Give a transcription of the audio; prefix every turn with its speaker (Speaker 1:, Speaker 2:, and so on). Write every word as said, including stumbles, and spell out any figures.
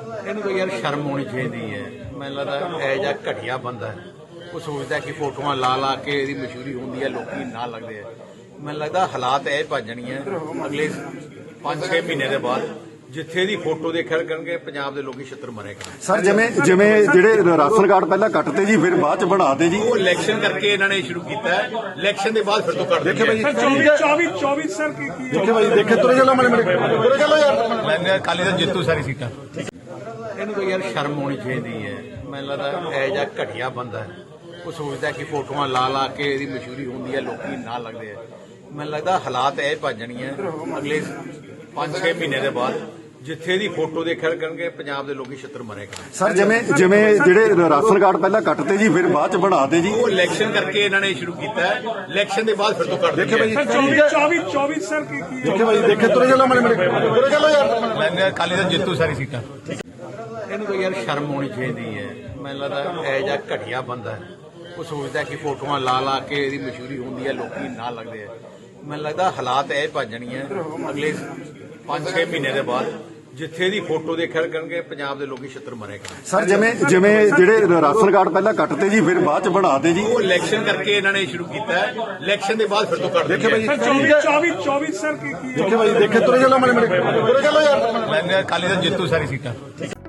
Speaker 1: ਇਹਨੂੰ ਤਾਂ ਯਾਰ ਸ਼ਰਮ ਹੋਣੀ ਚਾਹੀਦੀ ਹੈ। ਮੈਨੂੰ ਲੱਗਦਾ ਇਹ ਜਿਹਾ ਘਟੀਆ ਬੰਦਾ ਹੈ, ਉਹ ਸੋਚਦਾ ਕਿ ਫੋਟੋਆਂ ਲਾ ਲਾ ਕੇ ਇਹਦੀ ਮਸ਼ਹੂਰੀ ਹੁੰਦੀ ਹੈ, ਲੋਕੀ ਨਾਲ ਲੱਗਦੇ ਆ। ਮੈਨੂੰ ਲੱਗਦਾ ਹਾਲਾਤ ਇਹ ਭੱਜ ਜਾਣੀਆਂ ਅਗਲੇ ਪੰਜ ਛੇ ਮਹੀਨੇ ਦੇ ਬਾਅਦ, ਜਿੱਥੇ ਦੀ ਫੋਟੋ ਦੇਖਿਆ ਕਰਨਗੇ ਪੰਜਾਬ ਦੇ ਲੋਕੀ ਛਿੱਤਰ ਮਾਰੇਗਾ।
Speaker 2: ਸਰ ਜਿਵੇਂ ਜਿਵੇਂ ਜਿਹੜੇ ਰਾਸ਼ਨ ਕਾਰਡ ਪਹਿਲਾਂ ਕੱਟਦੇ ਜੀ, ਫਿਰ ਬਾਅਦ ਚ ਬਣਾਦੇ ਜੀ।
Speaker 1: ਉਹ ਇਲੈਕਸ਼ਨ ਕਰਕੇ ਇਹਨਾਂ ਨੇ ਸ਼ੁਰੂ ਕੀਤਾ ਹੈ, ਇਲੈਕਸ਼ਨ ਦੇ ਬਾਅਦ ਫਿਰ ਤੋਂ ਕੱਟ
Speaker 2: ਦੇਖੇ ਭਾਈ
Speaker 3: ਚੌਵੀ ਚੌਵੀ ਸਰ ਕੀ ਕੀ
Speaker 2: ਦੇਖੇ ਭਾਈ ਦੇਖੇ ਤੁਰੇ ਚੱਲੋ ਮਲੇ ਮਲੇ ਤੁਰੇ ਚੱਲੋ ਯਾਰ।
Speaker 1: ਮੈਂ ਅਕਾਲੀ ਦਲ ਜਿੱਤੂ ਸਾਰੀ ਸੀਟਾਂ। ਇਹਨੂੰ ਤਾਂ ਯਾਰ ਸ਼ਰਮ ਹੋਣੀ ਚਾਹੀਦੀ ਹੈ। ਮੈਨੂੰ ਲੱਗਦਾ ਇਹ ਜਿਹਾ ਘਟੀਆ ਬੰਦਾ ਹੈ, ਉਹ ਸੋਚਦਾ ਕਿ ਫੋਟੋਆਂ ਲਾ ਲਾ ਕੇ ਇਹਦੀ ਮਸ਼ਹੂਰੀ ਹੁੰਦੀ ਹੈ, ਲੋਕੀ ਨਾਲ ਲੱਗਦੇ ਆ। ਮੈਨੂੰ ਲੱਗਦਾ ਹਾਲਾਤ ਇਹ ਭੱਜ ਜਾਣੀਆਂ ਅਗਲੇ ਪੰਜ ਛੇ ਮਹੀਨੇ ਦੇ ਬਾਅਦ, ਜਿੱਥੇ ਦੀ ਫੋਟੋ ਦੇਖਿਆ ਕਰਨਗੇ ਪੰਜਾਬ ਦੇ ਲੋਕੀ ਛਿੱਤਰ ਮਾਰੇਗਾ।
Speaker 2: ਸਰ ਜਿਵੇਂ ਜਿਵੇਂ ਜਿਹੜੇ ਰਾਸ਼ਨ ਕਾਰਡ ਪਹਿਲਾਂ ਕੱਟਦੇ ਜੀ, ਫਿਰ ਬਾਅਦ ਚ ਬਣਾਦੇ ਜੀ।
Speaker 1: ਉਹ ਇਲੈਕਸ਼ਨ ਕਰਕੇ ਇਹਨਾਂ ਨੇ ਸ਼ੁਰੂ ਕੀਤਾ ਹੈ, ਇਲੈਕਸ਼ਨ ਦੇ ਬਾਅਦ ਫਿਰ ਤੋਂ ਕੱਟ
Speaker 2: ਦੇਖੇ ਭਾਈ
Speaker 3: ਚੌਵੀ ਚੌਵੀ ਸਰ ਕੀ ਕੀ
Speaker 2: ਦੇਖੇ ਭਾਈ ਦੇਖੇ ਤੁਰੇ ਚੱਲੋ ਮਲੇ ਮਲੇ ਤੁਰੇ ਚੱਲੋ ਯਾਰ।
Speaker 1: ਮੈਂ ਅਕਾਲੀ ਦਲ ਜਿੱਤੂ ਸਾਰੀ ਸੀਟਾਂ। ਇਹਨੂੰ ਤਾਂ ਯਾਰ ਸ਼ਰਮ ਹੋਣੀ ਚਾਹੀਦੀ ਹੈ। ਮੈਨੂੰ ਲੱਗਦਾ ਇਹ ਜਿਹਾ ਘਟੀਆ ਬੰਦਾ ਹੈ, ਉਹ ਸੋਚਦਾ ਕਿ ਫੋਟੋਆਂ ਲਾ ਲਾ ਕੇ ਇਹਦੀ ਮਸ਼ਹੂਰੀ ਹੁੰਦੀ ਹੈ, ਲੋਕੀ ਨਾਲ ਲੱਗਦੇ ਆ। ਮੈਨੂੰ ਲੱਗਦਾ ਹਾਲਾਤ ਇਹ ਭੱਜ ਜਾਣੀਆਂ ਅਗਲੇ ਪੰਜ ਛੇ ਮਹੀਨੇ ਦੇ ਬਾਅਦ, ਜਿੱਥੇ ਦੀ ਫੋਟੋ ਦੇਖਿਆ ਕਰਨਗੇ ਪੰਜਾਬ ਦੇ ਲੋਕੀ ਛਿੱਤਰ ਮਾਰੇਗਾ।
Speaker 2: ਸਰ ਜਿਵੇਂ ਜਿਵੇਂ ਜਿਹੜੇ ਰਾਸ਼ਨ ਕਾਰਡ ਪਹਿਲਾਂ ਕੱਟਦੇ ਜੀ, ਫਿਰ ਬਾਅਦ ਚ ਬਣਾਦੇ ਜੀ।
Speaker 1: ਉਹ ਇਲੈਕਸ਼ਨ ਕਰਕੇ ਇਹਨਾਂ ਨੇ ਸ਼ੁਰੂ ਕੀਤਾ ਹੈ, ਇਲੈਕਸ਼ਨ ਦੇ ਬਾਅਦ ਫਿਰ ਤੋਂ ਕੱਟ
Speaker 2: ਦੇਖੇ ਭਾਈ
Speaker 3: ਚੌਵੀ ਚੌਵੀ ਸਰ ਕੀ ਕੀ
Speaker 2: ਦੇਖੇ ਭਾਈ ਦੇਖੇ ਤੁਰੇ ਚੱਲੋ ਮਲੇ ਮਲੇ ਤੁਰੇ ਚੱਲੋ ਯਾਰ।
Speaker 1: ਮੈਂ ਅਕਾਲੀ ਦਲ ਜਿੱਤੂ ਸਾਰੀ ਸੀਟਾਂ।